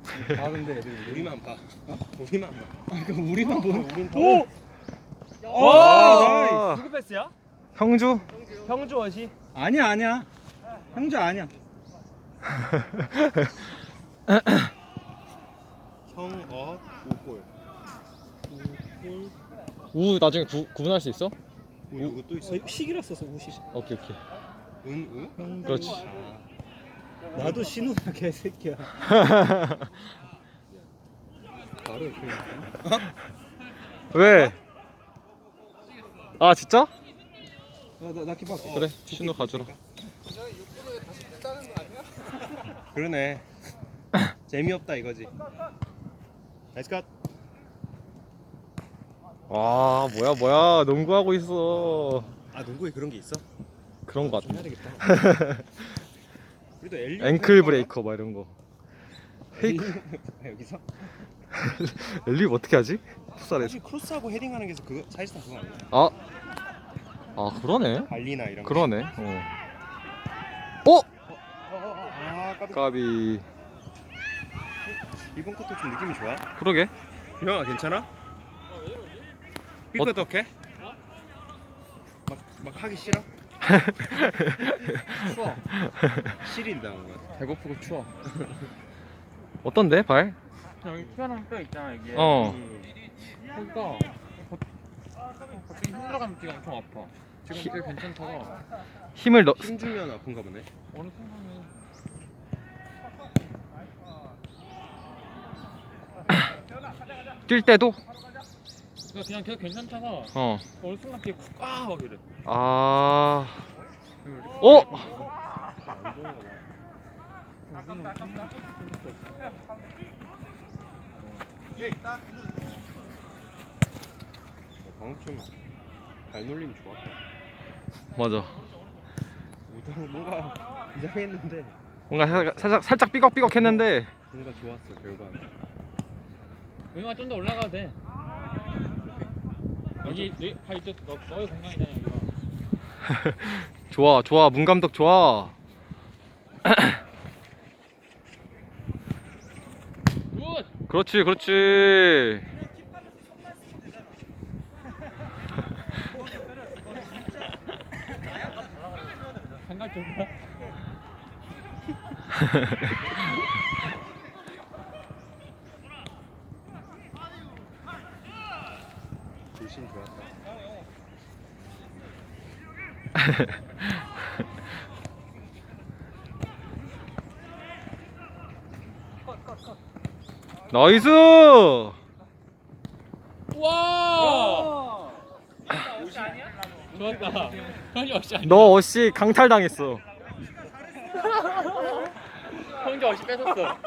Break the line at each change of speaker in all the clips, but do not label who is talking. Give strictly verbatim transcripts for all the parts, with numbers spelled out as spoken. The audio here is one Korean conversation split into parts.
아 근데 애들
우리만 봐. 어? 우리만 봐.
아 그럼 우리만 보는.
우린 다
오!
오!
아,
누구 패스야?
형주?
형주 원시?
아니야 아니야. 형주 아니야.
형어 오골. 오골.
우 나중에 구, 구분할 수 있어?
오 이거 또 있어?
시기라 써서 우시.
오케이 오케이.
은 우?
그렇지.
아,
나도 신우야 개새끼야.
바로 이렇게.
왜? 아 진짜?
나나 기뻐.
그래 신호 가져라.
그러네. 재미없다 이거지. 나이스 컷.
와 뭐야 뭐야 농구하고 있어.
아 농구에 그런 게 있어?
그런 거 같아.
해야 되겠다. 우리도 엘리
앵클 브레이커 막 이런 거. 페이크.
여기서?
엘립 어떻게 하지? 풋살에서.
사실 크로스하고 헤딩하는 게 그거 사실상 그거 아니야?
아. 아 그러네.
발리나 이런 거.
그러네. 어. 어?
아 까비.
까비.
이번 것도 좀 느낌이 좋아.
그러게.
형아 괜찮아? 삐끗 어떡해? 막, 막 하기 싫어?
추워.
시린다 뭔가.
배고프고 추워.
어떤데 발?
여기 튀어나온 뼈 있잖아 이게.
어.
거기가 갑자기 힘들어가면 지금 엄청 아파. 지금 꽤 괜찮다가
힘을 넣.
힘 주면 아픈가 보네.
어느 순간에
뛸 때도?
그냥 그냥 계속 괜찮다가
어.
어느 순간 뒤에 쿡아막 이래.
아. 어?
방금 좀 발놀림이 좋았다.
맞아.
우당 뭔가 이상했는데
뭔가 살짝 살짝, 살짝 삐걱삐걱했는데.
뭔가 좋았어 결과는.
여기가 좀 더 올라가도 돼. 여기 네, 다 이쪽 너, 너의 공간이잖아 여기가.
좋아 좋아 문 감독 좋아.
굿!
그렇지 그렇지.
생각 좀 봐.
불신 좋았다.
나이스.
와! 좋았다. 형이 어시 아니야?
너 어씨 강탈당했어.
형이 어시 뺏었어.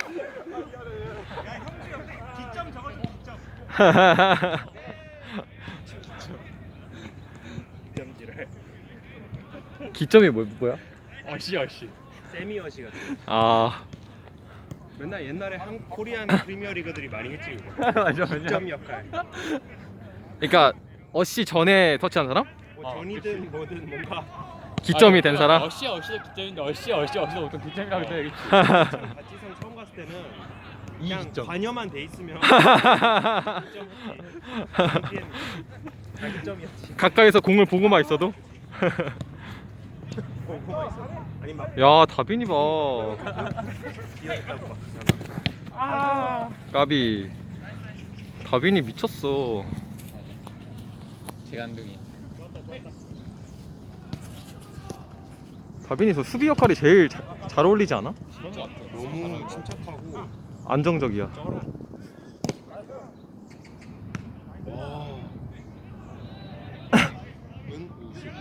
점지를.
기점이 뭐, 뭐야?
어시 어시.
세미어시 같은.
아
맨날 옛날에 한 코리안 프리미어 리그들이 많이 했지 그거.
맞아
점 역할.
그러니까 어씨 전에 터치한 사람?
뭐
어,
전이든 뭐든 뭔가
기점이 된 사람?
어시 어시의 기점인데 어시 어시 어시도 보통 기점이라고 해야겠지.
바지성 처음 갔을 때는 그냥
이점.
관여만 돼 있으면 자기점이었지.
가까이서 공을 보고만 있어도?
보고만 있어. 아니 막
야 다빈이 봐.
기어있다고 막.
아.
까비. 다빈이 미쳤어.
재간둥이.
다빈이 저 수비 역할이 제일 자, 잘 어울리지 않아?
그런 거 같아.
너무 침착하고.
안정적이야.
와. 은 우식.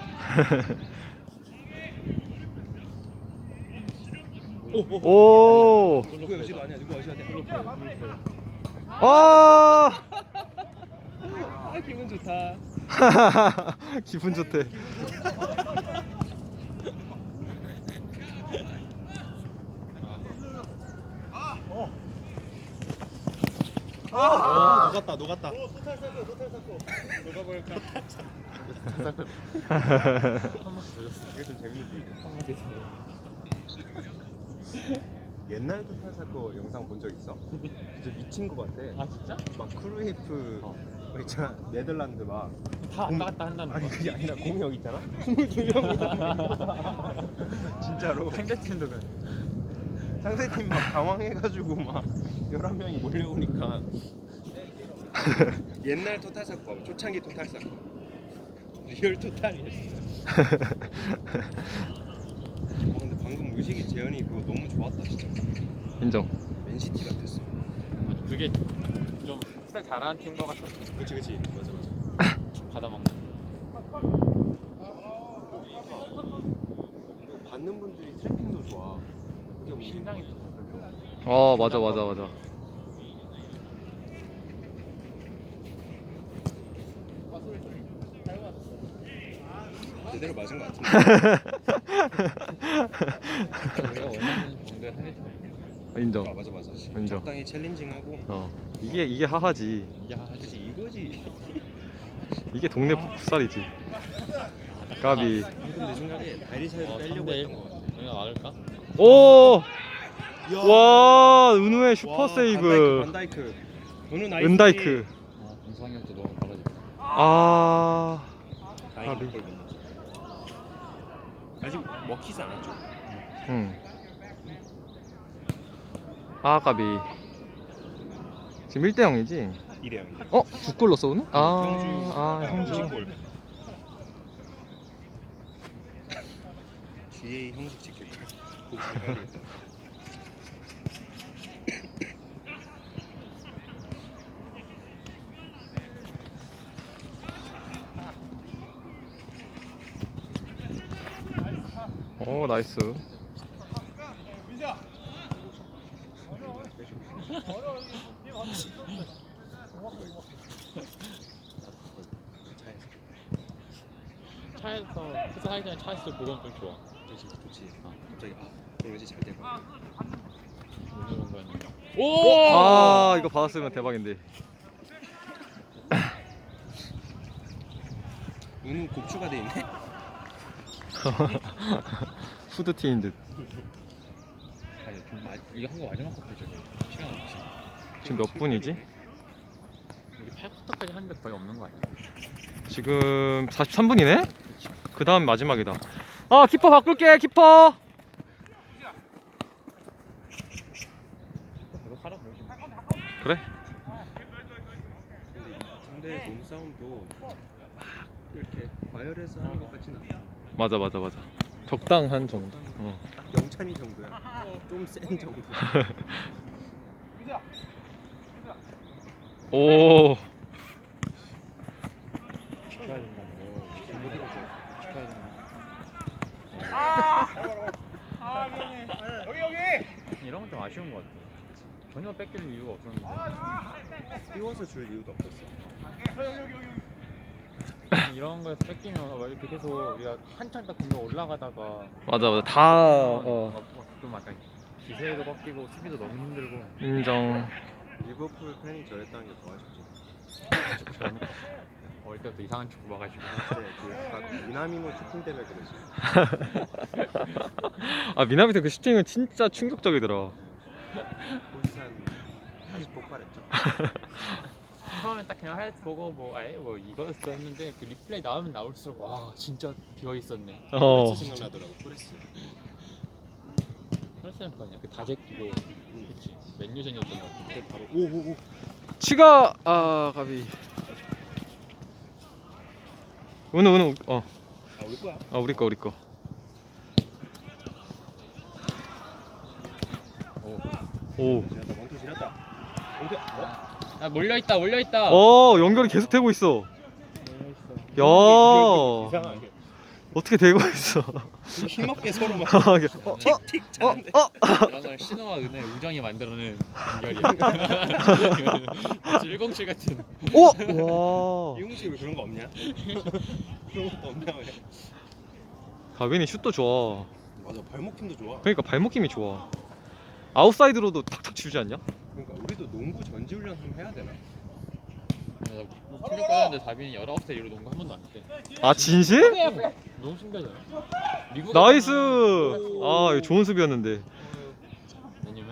오.
누구 여시도 아니야. 누구 여시 아니야.
아.
아 기분 좋다.
기분 좋대.
아, 녹았다, 녹았다. 오, 토탈 사고, 토탈 사고. 녹아버릴까? 이게 좀 재밌지. 옛날 토탈사 거 영상 본 적 있어? 진짜 미친 거 같아.
아 진짜?
막 크루이프
어.
뭐 있잖아. 네덜란드 막.
다 왔다 갔다 한다는
아니
거.
그게 아니라 공이 여기 있잖아. 스물두 명이 진짜로
상대팀도 그.
상대팀 막 당황해가지고 막 열한 명이 몰려오니까. 옛날 토탈사 거 봐봐. 초창기 토탈사 거. 리얼 토탈이었어. 어, 근데 방금 의식이 재현이 그거 너무 좋았다 진짜.
인정.
맨시티 같았어.
그게 좀 스타일 잘하는 팀인 것 같아.
그치 그치 맞아 맞아.
받아먹는.
받는 분들이 트래핑도 좋아. 그게 뭐
신상이
어 맞아 맞아 맞아.
제대로 맞은 것 같은데.
우리가 원하는 정도의 상대팀.
인정.
아 맞아 맞아.
인정.
적당히 챌린징하고.
어 이게 이게 하하지.
야,
그치 이거지.
이게 동네 풋살이지. 까비.
방금 내 생각에 다리사이드
어,
빼려고
삼 대 일.
했던 것 같아.
우리가 막을까?
오.
야.
와 은우의 슈퍼
와,
세이브.
반다이크. 반다이크. 은우 나이스.
은다이크.
어, 공상력도 너무 떨어졌다.
아.
다행히 골 넣었어. 아직 먹히지 않았죠.
응. 아 까비. 지금 일 대 영이지?
이래요.
어? 두 골 넣었어 오늘? 아,
형주.
아 형주.
형식골. 지에이 형식 지킬 걸. 그거 잘 봐야겠다.
오 나이스.
차에서 푸드 하기 전에 차에서 보건 좀 좋아.
그렇지 좋지. 아, 갑자기 아 그럼 이제 잘 되고.
오늘 온 거였는데. 오!
아 이거 받았으면 대박인데.
은우 곱추가 돼 있네.
후드티인 듯.
아니, 좀 마, 이거 한 거 마지막 컷이죠. 시간 없지.
지금 몇 분이지?
우리 팔 쿼터까지 하는데 거의 없는 거 아니야?
지금 사십삼 분이네? 그 다음 마지막이다. 아 키퍼 바꿀게 키퍼.
이거 하라고.
그래?
근데 상대 몸싸움도 막 이렇게 과열해서 하는 것 같진 않아.
맞아 맞아 맞아. 적당한 정도. 어.
딱 영찬이 정도야. 좀 센 정도.
오.
축하해야 된다고. 축하해야 된다고. 이런 건 좀 아쉬운 것 같아. 전혀 뺏길 이유가 없었는데.
띄워서 줄 이유도 없었어.
이런 거에서 뺏기면 막 이렇게 계속 우리가 한참 딱 공격 올라가다가
맞아 맞아 다 어.
막, 막 좀 약간 기세도 꺾이고 수비도 너무 힘들고.
인정.
리버풀 팬이 저랬다는 게 더 아쉽지.
저는 어릴 때부터 이상한 축구 봐가지고.
그때 그딱 미나미노 슈팅 때문에 그랬지.
아 미나미트 그 슈팅은 진짜 충격적이더라.
홀산 다시 폭발했죠.
처음엔 딱 그냥 하이라이트 보고 뭐 아예 뭐 이거였어 했는데 그 리플레이 나오면 나올수록 와 진짜 비어 있었네.
어.
프레스 생각나더라고. 프레스.
헬스는 거 아니야? 그 다제끼고 그치 맨유전이었던 것 같은데 바로
오오오.
치가 아 가비. 은우 은우 어.
아 우리 거야.
아 우리 거 우리 거. 오.
지났다. 원투 지났다. 원투. 어?
아 몰려있다 몰려있다.
어 연결이 계속 되고 있어. 야
이상하게.
어떻게 되고 있어.
힘없게 서로 막
어, 어,
틱틱 차는데.
어, 어.
이런 걸 신호와 은혜 우정이 만들어낸 연결이야. 일공칠 같은.
오! 와.
이용식 왜 그런 거 없냐? 그런 것도 없냐 왜?
가빈이 슛도 좋아.
맞아 발목 힘도 좋아.
그러니까 발목 힘이 좋아. 아웃사이드로도 탁탁 치지 않냐?
그러니까 우리도 농구 전지 훈련 좀 해야 되나?
충격 받았는데 다빈이 열아홉 살 이후로 농구 한 번도 안 했대.
아 진실?
너무 신기하잖아. 미국
나이스. 아 이거 좋은 수비였는데.
아니면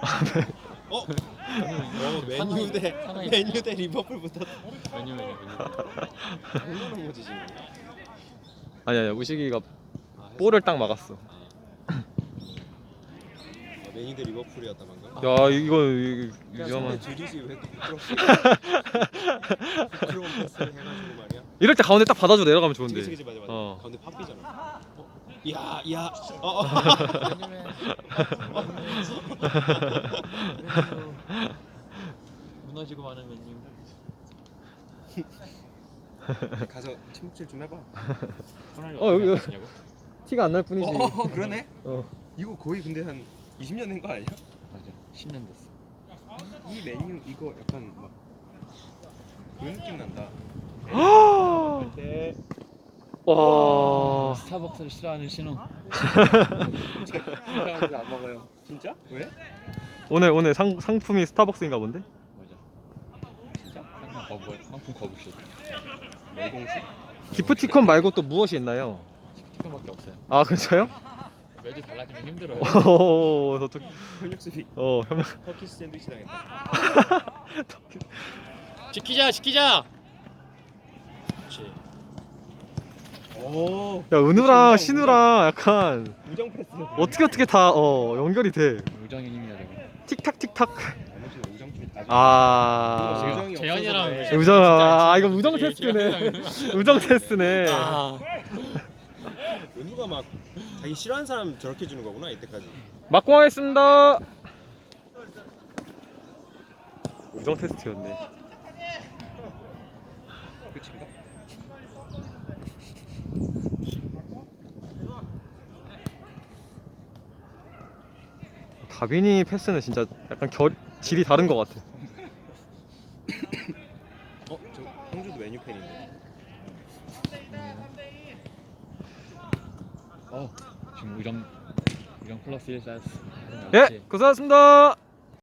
어? 어 맨유 대
하나의-
맨유 대 리버풀 붙었다.
메뉴 메뉴 메뉴.
이거는 뭐지 지금?
아니 아니 우식이가
아,
볼을 딱 막았어.
아, 맨유 대 리버풀이었다 방금.
야 이거 이거
그냥
위험한.
상대 드리지 왜 또 부끄럽게 부끄러운 패스를 해가지고 말이야.
이럴 때 가운데 딱 받아줘 내려가면 좋은데.
그치 그치 맞아 맞아.
어.
가운데 팍 비잖아. 어? 야 야. 어, 어.
무너지고 마는 메뉴.
가서 침묵질 좀 해봐.
어, 여기, 여기.
냐고
티가 안 날 뿐이지.
어, 어 그러네.
어.
이거 거의 근데 한 이십 년 된 거 아니야?
맞아. 십 년 됐어.
이 메뉴 이거 약간 막 그런 느낌 난다. 네.
와.
스타벅스를 싫어하는 신호.
사람들 안 먹어요. 진짜? 왜?
오늘 오늘 상 상품이 스타벅스인가 본데?
맞아. 진짜? 상품 거부 상품 거부쇼.
매공식?
기프티콘 말고 또 무엇이 있나요?
티켓밖에 없어요.
아 그렇죠?
매주 달라지면 힘들어요.
오, 저쪽
현역 수비.
어 형.
터키스 샌드위치 당했다.
지키자 지키자. 그렇지.
오.
야 은우랑 신우랑 약간
우정 패스.
어떻게 어떻게 다 어 연결이 돼.
우정의 힘이야 저거.
틱탁 틱탁.
나머지는 우정 패스.
아.
이거 우정이
재현이랑
없어서 그래.
우정 아
진짜
이거 우정
진짜
테스트네.
재현이랑
우정 테스트네.
아.
은우가 막 자기 싫어하는 사람 저렇게 주는 거구나 이때까지.
막공하겠습니다. 우정 테스트였네.
끝인가?
다빈이 패스는 진짜 약간 결 질이 다른 것 같아.
어? 저 형주도 메뉴 팬인데.
어 지금 우정 우정 플러스 일 쌓였어.
예, 고생하셨습니다.